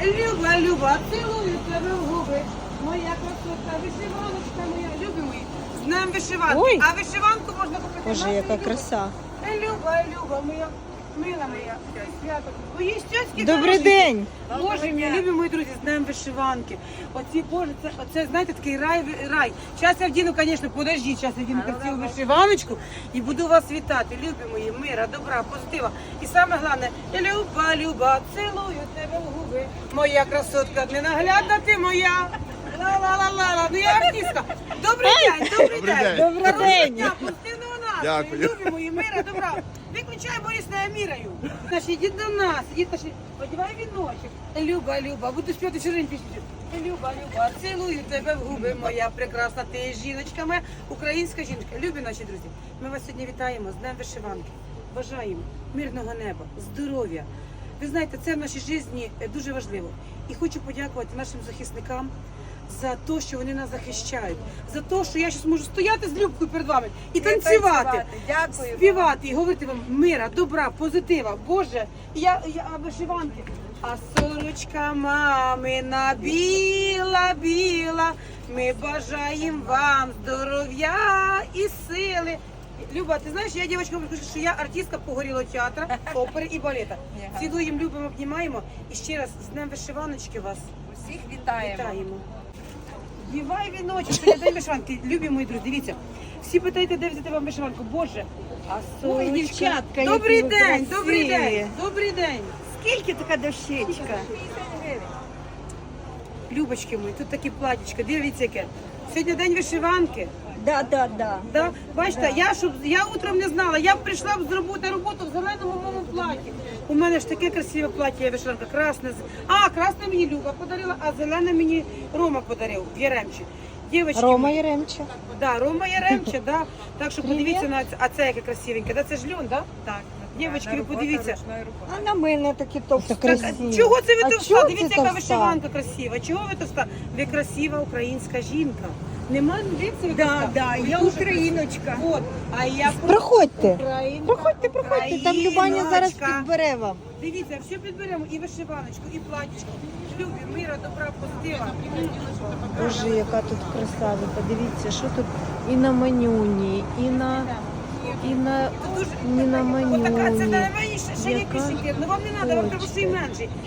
Люба, Люба, цілую тебе в губи. Моя красотка, вишиваночка моя, любі мої. З днем вишиванки. Ой. А вишиванку можна купити. Боже, на яка Люба. краса. Люба моя, мила моя, свято. Мої щочки Добрий день. Боже мій, любі мої друзі, з днем вишиванки. Оці, Боже, це знаєте, такий рай. Зараз я вдіну, звісно, подождіть, зараз я вдіну красиву вишиваночку і буду вас вітати, любі мої, мира, добра, позитива. І саме головне, Люба, цілую тебе в губи. Моя красотка, ненаглядна ти моя. Ла-ла-ла-ла-ла, ну я артистка. Добрий день, добрий день. Добрий день. Дня, позитивного настрою, Дякую. любі мої, мира, добра. Виключай, Борис, я міраю. Значить, ідіть до нас, ідіть, одягай віночок. Люба, буду співати чужинь пісню. Люба, цілую тебе в губи, моя прекрасна, ти жіночка моя, українська жіночка. Любі наші друзі, ми вас сьогодні вітаємо з Днем вишиванки. Бажаємо мирного неба, здоров'я. Ви знаєте, це в нашій житті дуже важливо. І хочу подякувати нашим захисникам за те, що вони нас захищають, за те, що я зараз можу стояти з Любкою перед вами і танцювати, Дякую. співати і говорити вам мира, добра, позитива. Боже, я вишиванки. А сорочка мамина біла, ми бажаємо вам здоров'я і сили. Люба, ти знаєш, я дівчинка кажу, що я артистка погорілого театру, опери і балета. Цілуємо, любимо, обнімаємо. І ще раз з Днем вишиваночки вас Усіх вітаємо. вітаємо. Дівай віночок, сьогодні день вишиванки. Любі мої друзі, дивіться. Всі питаєте, де взяти вам вишиванку. Боже, а Ой, сонечко. дівчатка, які Добрий ви день, красиві. добрий день, добрий день. Скільки така дощечка? Любочки мої, тут такі платічка, дивіться яке. Сьогодні день вишиванки. Да. Да? Бачите, я утром не знала, я б прийшла б зробити роботу в зеленому моєму платі. У мене ж таке красиве плаття, вишиванка, красне. Красне мені Люба подарила, а зелене мені Рома подарив в Яремчі. Дівочки Рома мої. Яремча. Да, Рома Яремча, да. Так що подивіться на це. А це яке красивеньке. Да, це ж льон, да? Так. Дівочки, ви подивіться. А на мене такі товсті. Так, чого це ви А товста? чого це Дивіться, яка товста? вишиванка красива. Чого ви товста? Ви красива українська жінка. Нема, дивіться, ви товста. Ви я дуже україночка. красива. От, а я Проходьте. Українка. Проходьте, там Любаня зараз Україночка. підбере вам. Дивіться, все підберемо, і вишиваночку, і платічку. Любі, мира, добра, позитива. Боже, яка тут краса, ви подивіться, що тут і на манюні, і на Дуже манюні. Отака, це на мені ще є Яка більше. Ну вам не треба, вам треба ще й менший.